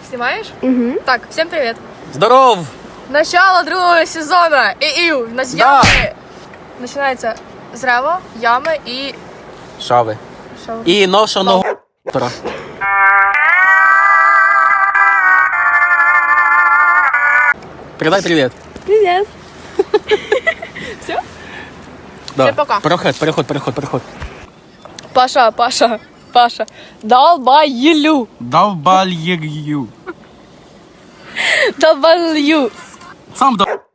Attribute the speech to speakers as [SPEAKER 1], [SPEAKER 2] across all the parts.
[SPEAKER 1] Снимаешь? Угу. Так, всем привет.
[SPEAKER 2] Здоров!
[SPEAKER 1] Начало другого сезона. У нас
[SPEAKER 2] Да.
[SPEAKER 1] ямы. Начинается с Рево, ямы и...
[SPEAKER 2] Шави.
[SPEAKER 1] Шо?
[SPEAKER 2] І ношеного Передай привет.
[SPEAKER 1] Привет. Все?
[SPEAKER 2] Да.
[SPEAKER 1] Всем пока.
[SPEAKER 2] Переход.
[SPEAKER 1] Паша. Долбаю.
[SPEAKER 2] Долбалью. Сам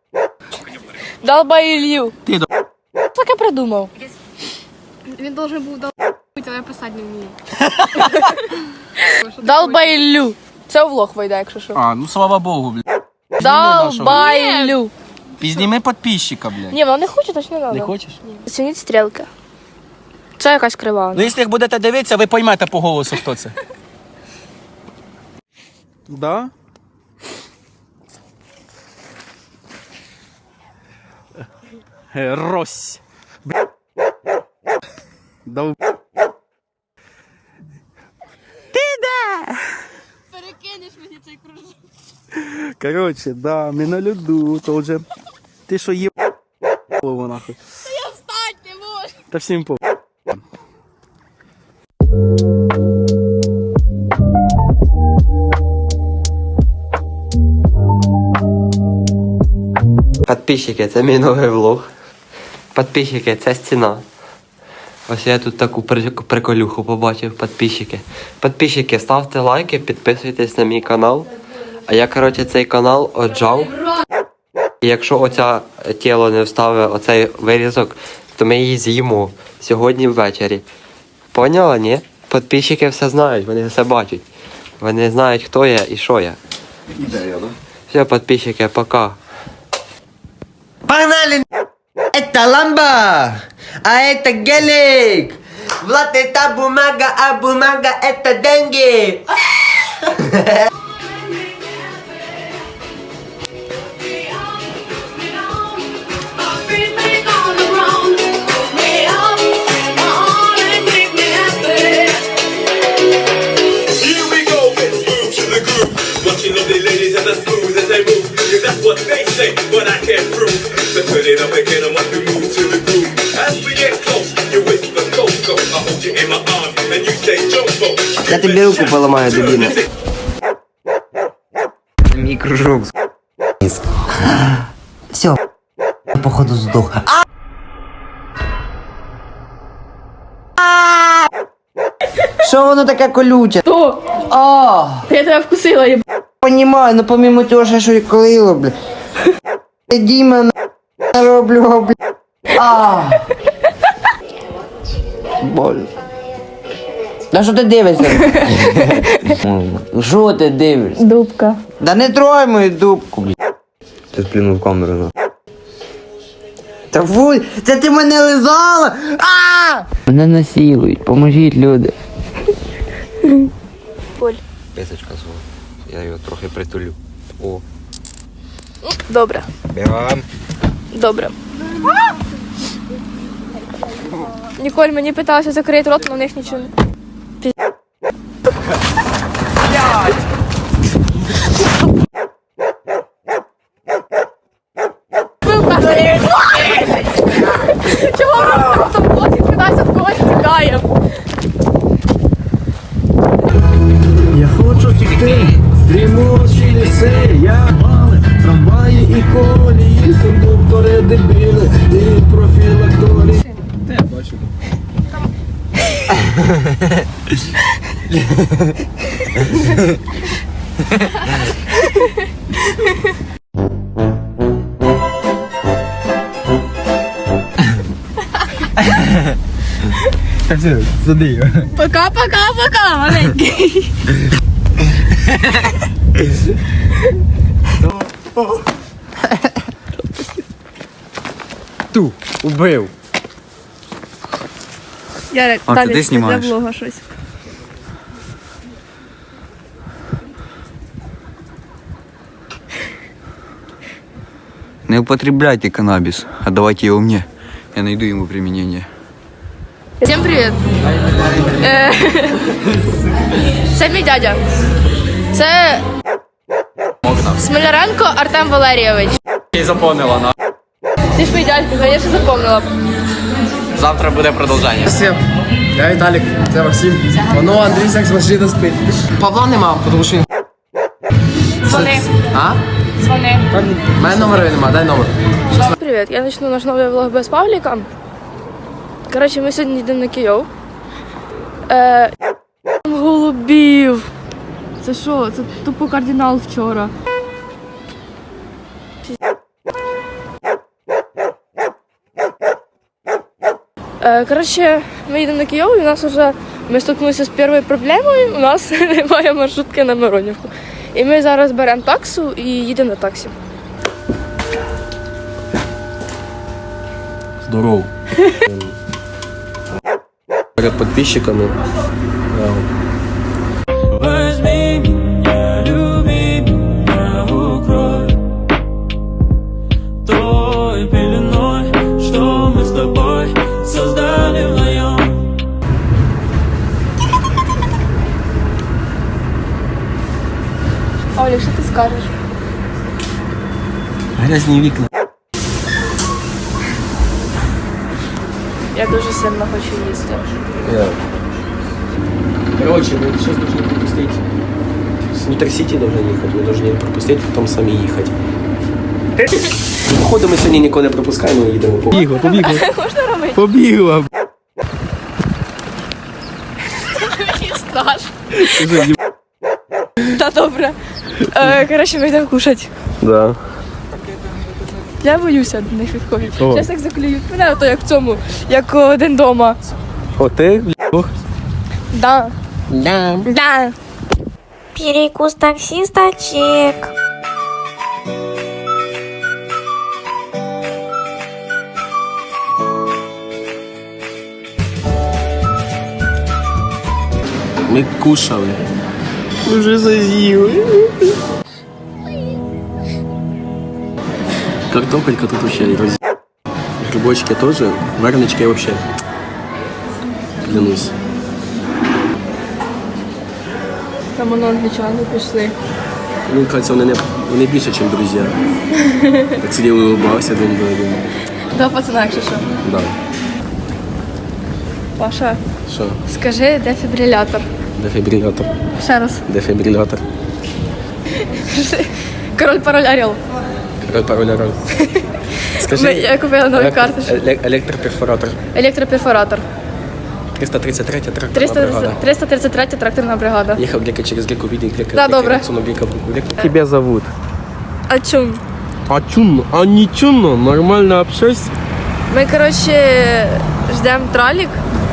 [SPEAKER 1] Долбаю.
[SPEAKER 2] Ти
[SPEAKER 1] Так я придумав. Він должен був долбати, але я писати не вмію. Долбаю. Це у влог вийде, якщо що.
[SPEAKER 2] А, ну слава Богу, блядь.
[SPEAKER 1] Долбаю.
[SPEAKER 2] Пізніми підписчика, блядь.
[SPEAKER 1] Ні, вона не хоче, то ж не треба.
[SPEAKER 2] Не хочеш?
[SPEAKER 1] Оцініть стрілки. Це якась крива.
[SPEAKER 2] Ну, якщо як будете дивитися, ви поймете по голосу, хто це. Да? Рось. Дов... Ти де?
[SPEAKER 1] Перекинеш мені цей кружок.
[SPEAKER 2] Короче, да, ми на льоду, то вже... Ти що є... Голову нахуй.
[SPEAKER 1] Та я встать не можу.
[SPEAKER 2] Та всім по...
[SPEAKER 3] Підписчики, це мій новий влог. Підписчики, це стіна. Ось я тут таку приколюху побачив, підписчики. Підписчики, ставте лайки, підписуйтесь на мій канал. А я, коротше, цей канал отжав. І якщо оце тіло не вставить оцей вирізок, то ми її з'їмо сьогодні ввечері. Поняла, ні? Підписчики все знають, вони все бачать. Вони знають, хто я і що я.
[SPEAKER 2] Ідея, да?
[SPEAKER 3] Все, підписчики, пока.
[SPEAKER 4] Погнали! Это ламба, а это гелик. Влад, это бумага, а бумага это деньги.
[SPEAKER 5] That's what they say, but I can't prove. So put it up again, I want to move to the groove. As we get close, you whisper Coco. I hold you in my arms, and you say Jumbo.
[SPEAKER 4] Я тобі руку поламаю, дебіна. Мій кружок. Все, походу здох. Що воно таке колюче?
[SPEAKER 1] Хто?
[SPEAKER 4] А,
[SPEAKER 1] Я тебе вкусила, їб...
[SPEAKER 4] понімаю, ну помимо того, що і колило, бля. Діма нароблю, бля. А. Боль. Да що ти дивишся? Що ти дивишся?
[SPEAKER 1] Дубка.
[SPEAKER 4] Да не трой мою дубку, бля. Ти сплюнув камеру, на. Та фуй, це ти мене лизала! А! Мене насилують, поможіть, люди.
[SPEAKER 1] Поль.
[SPEAKER 3] Писочка свого. Я його трохи притулю. О.
[SPEAKER 1] Добре.
[SPEAKER 3] Бігам.
[SPEAKER 1] Добре. Ніколь мені питалася закрити рот, але в них нічого не... Чого ми в блоці кидайся в когось тікаємо?
[SPEAKER 6] Я хочу тікти, дрімучі ліси, я бали, трамваї і колії, кондуктори дебіли, і профілакторії. Та я бачу. Та все, сади.
[SPEAKER 1] Пока, маленький.
[SPEAKER 2] Ту, убив.
[SPEAKER 1] Ярик,
[SPEAKER 2] А, ти де знімаєш?
[SPEAKER 1] для влога щось.
[SPEAKER 7] Не употребляйте каннабис, отдавайте его мне. Я найду ему применение.
[SPEAKER 1] Всем привет. Це мій дядя. Це Смоляренко Артем Валерійович.
[SPEAKER 3] І запомнила, на.
[SPEAKER 1] Ти ж мій дядько, я ще запомнила.
[SPEAKER 3] Завтра буде продовження.
[SPEAKER 6] Всім. Я Віталік, це Максим. Воно Андрій секс машина спить. Павла нема, тому що він...
[SPEAKER 1] Дзвони.
[SPEAKER 6] А?
[SPEAKER 1] Дзвони.
[SPEAKER 6] У мене номера нема, дай номер.
[SPEAKER 1] Привіт, я почну наш новий влог без Павліка. Коротше, ми сьогодні йдемо на Київ. Голубів. Це що? Це тупо кардинал вчора. Коротше, ми їдемо на Київ, і у нас вже ми стикнулися з першою проблемою, у нас немає маршрутки на Миронівку. І ми зараз беремо таксу і їдемо на таксі.
[SPEAKER 6] Здорово. Перед підписчиками.
[SPEAKER 8] Возьми меня, люби меня, укрой той пеленой, что мы с тобой создали вдвоем.
[SPEAKER 1] Оля, що ти скажеш?
[SPEAKER 6] Грязні вікна.
[SPEAKER 1] Я дуже сильно хочу їсти.
[SPEAKER 6] Короче, мы сейчас должны пропустить. С Митросити должны ехать. Мы должны пропустить, потом сами ехать. Походу ми сьогодні нікого не пропускаємо і їдемо по...
[SPEAKER 2] Побігла, побігла.
[SPEAKER 1] Можна робити?
[SPEAKER 2] Побігла.
[SPEAKER 1] Мені страшно. Та добре. Коротше, ми йдемо кушати.
[SPEAKER 6] Да.
[SPEAKER 1] Я боюся до них відходити.
[SPEAKER 2] О.
[SPEAKER 1] Зараз як заклюють мене, то як в цьому, як один дома.
[SPEAKER 2] О, ти, блядь.
[SPEAKER 1] Да. Да.
[SPEAKER 9] Перекус таксиста чек.
[SPEAKER 6] Ми кушали. Ми вже зазіли. Картопелька тут вообще роз... Грибочки тоже. Варенички вообще. Клянусь.
[SPEAKER 1] Там воно англічани пішли.
[SPEAKER 6] Мені кажется, вони більше, ніж друзі. Так сидів і улыбався один до один.
[SPEAKER 1] Да, пацана, якщо що.
[SPEAKER 6] Да.
[SPEAKER 1] Паша,
[SPEAKER 6] Що?
[SPEAKER 1] скажи, де фібрилятор?
[SPEAKER 6] Дефібрилятор.
[SPEAKER 1] Ще раз.
[SPEAKER 6] Дефібрилятор.
[SPEAKER 1] Король пароль орел.
[SPEAKER 6] Пароль.
[SPEAKER 1] Я купила нові карточки.
[SPEAKER 6] Електроперфоратор.
[SPEAKER 1] Електроперфоратор.
[SPEAKER 6] 333 тракторна бригада.
[SPEAKER 1] 333 тракторна бригада.
[SPEAKER 6] Ехал Глека через Глеку, видел Глека.
[SPEAKER 1] Да, добре.
[SPEAKER 6] Глека.
[SPEAKER 2] Тебя зовут?
[SPEAKER 1] А чому?
[SPEAKER 6] А чунно? А не чунно? Нормально общайся.
[SPEAKER 1] Ми, коротше, ждемо тралік.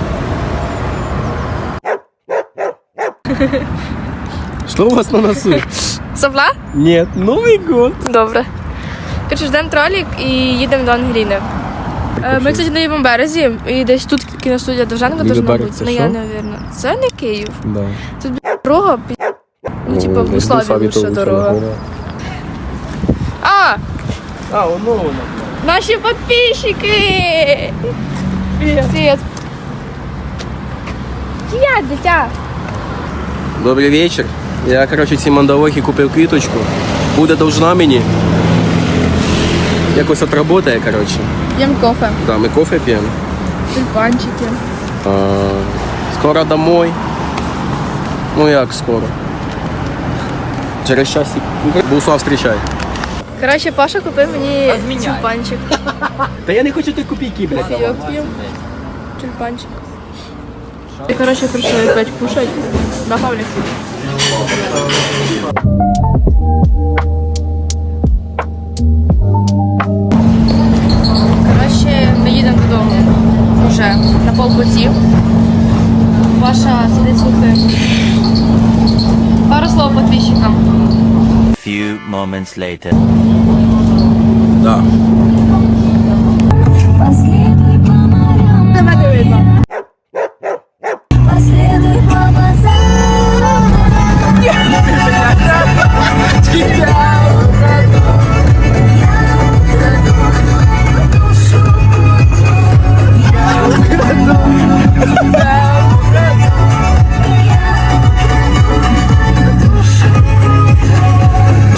[SPEAKER 6] Что у вас на носу?
[SPEAKER 1] Сопла?
[SPEAKER 6] Нет, Новый год.
[SPEAKER 1] Добре. Коротше, ждемо тралік і їдемо до Ангеліни. Ми, кстати, на лівому березі, і десь тут кіностудія Довженка
[SPEAKER 6] Лівий
[SPEAKER 1] должна
[SPEAKER 6] берег
[SPEAKER 1] бути.
[SPEAKER 6] це
[SPEAKER 1] Ну,
[SPEAKER 6] що?
[SPEAKER 1] я не уверена. Це не Київ.
[SPEAKER 6] Да.
[SPEAKER 1] Тут, дорога, ну, типа, в Буславі лучше дорога. А!
[SPEAKER 6] А, воно.
[SPEAKER 1] Наші підписчики! Привіт. Привіт. Привіт, дитя.
[SPEAKER 6] Добрий вечір. Я, короче, цій мандалохі купив квіточку. Буде должна мені. Якось отработає, короче.
[SPEAKER 1] П'ємо кофе.
[SPEAKER 6] Да, ми кофе п'ємо.
[SPEAKER 1] Тюльпанчики.
[SPEAKER 6] Скоро домой. Ну як скоро? Через часик. Буслав встречай.
[SPEAKER 1] Коротше, Паша купив мені тюльпанчик.
[SPEAKER 6] Та я не хочу ти копійки, блядь.
[SPEAKER 1] Кофійок п'ємо. Тюльпанчик. І, коротше, прийшли опять кушать. На Павлік. Коротше, ми їдемо додому. Уже на полпуті. Паша сидить слухає. Пару слов підписчикам.
[SPEAKER 10] Few moments later.
[SPEAKER 6] Да.
[SPEAKER 1] Тебе не видно.
[SPEAKER 9] Последуй по базару.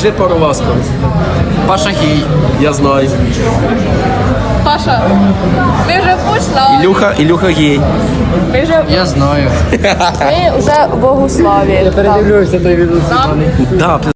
[SPEAKER 6] Скажи пару ласк.
[SPEAKER 4] Паша гей.
[SPEAKER 6] Я знаю.
[SPEAKER 1] Паша, ми вже пішла.
[SPEAKER 6] Ілюха гей.
[SPEAKER 1] Ми вже...
[SPEAKER 4] Я знаю.
[SPEAKER 1] Ми вже в Богославі.
[SPEAKER 6] Да,